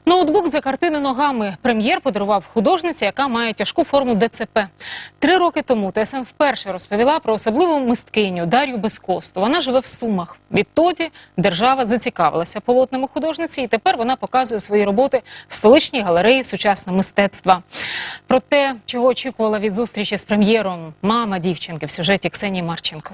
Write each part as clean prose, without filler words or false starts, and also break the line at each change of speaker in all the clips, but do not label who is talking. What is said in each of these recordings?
Ноутбук за картини ногами. Прем'єр подарував художниці, яка має тяжку форму ДЦП. 3 роки тому ТСН вперше розповіла про особливу мисткиню Дар'ю Безкосту. Вона живе в Сумах. Відтоді держава зацікавилася полотнами художниці, і тепер вона показує свої роботи в столичній галереї сучасного мистецтва. Про те, чого очікувала від зустрічі з прем'єром мама дівчинки, в сюжеті Ксенії Марченко.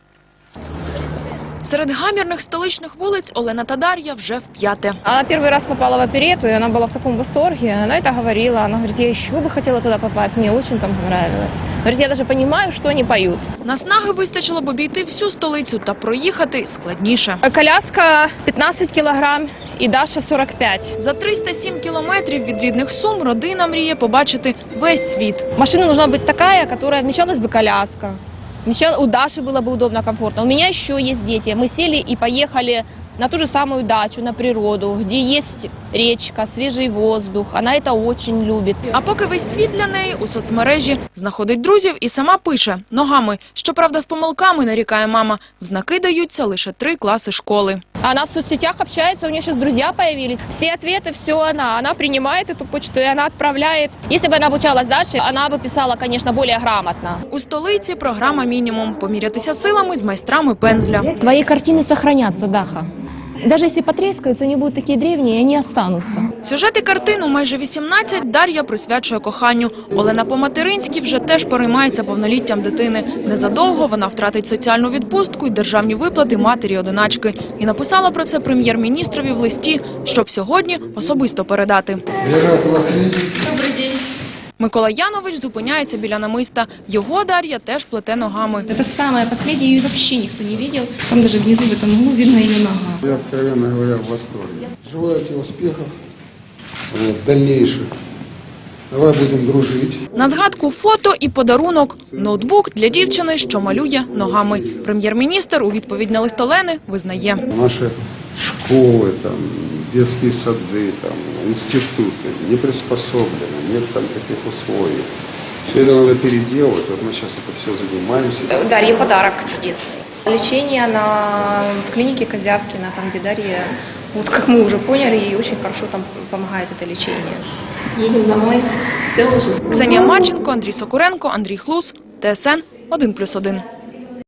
Серед гамірних столичних вулиць Олена та Дар'я вже вп'яте.
Она первый раз попала в оперетту, и она была в таком восторге. Она это говорила. Она говорит, я еще бы хотела туда попасть, мне очень там понравилось. Говорит, я даже понимаю, что они поют.
Наснаги вистачило б обійти всю столицю та проїхати складніше.
Коляска 15 килограмм и Даша 45.
За 307 кілометрів від рідних Сум родина мріє побачити весь світ.
Машина нужна быть такая, которая вмещалась бы коляска. У Даши было бы удобно, комфортно. У меня еще есть дети. Мы сели и поехали на ту же самую дачу, на природу, где есть речка, свежий воздух. Она это очень любит.
А поки весь світ для неї у соцмережі знаходить друзів і сама пише ногами. Щоправда, з помилками, нарікає мама, в знаки даються лише 3 класи школи.
Она в соцсетях общается, у нее сейчас друзья появились. Все ответы, все она. Она принимает эту почту и она отправляет. Если бы она обучалась дальше, она бы писала, конечно, более грамотно.
У столиці програма «Мінімум» – помірятися силами з майстрами пензля.
Твои картины сохранятся, Даха. Даже если потрескаются, они будут такие древние, они останутся.
Сюжети картину майже 18 Дар'я присвячує коханню. Олена по-материнськи вже теж переймається повноліттям дитини. Незадовго вона втратить соціальну відпустку і державні виплати матері-одиначки. І написала про це прем'єр-міністрові в листі, щоб сьогодні особисто передати.
Добрий день.
Микола Янович зупиняється біля намиста. Його Дар'я теж плете ногами.
Это самое последнее, ее вообще никто не видел. Там даже внизу в этом углу видно ее нога.
Я, откровенно говоря, в восторге. Желаю тебе успехов дальнейших. Давай будемо дружити.
На згадку фото і подарунок – ноутбук для дівчини, що малює ногами. Прем'єр-міністр у відповідь на лист Олени визнає.
Наші школи, дитячі сади, інститути не приспособлені, нет там таких условий. Все это надо переделать. Вот мы сейчас это все занимаемся.
Дарье подарок чудесный. Лечение она в клинике Козявкина, там где Дарья, вот как мы уже поняли, ей очень хорошо там помогает это лечение.
Едем домой. Все уже.
Ксенія Марченко, Андрій Сокуренко, Андрій Хлус, ТСН 1+1.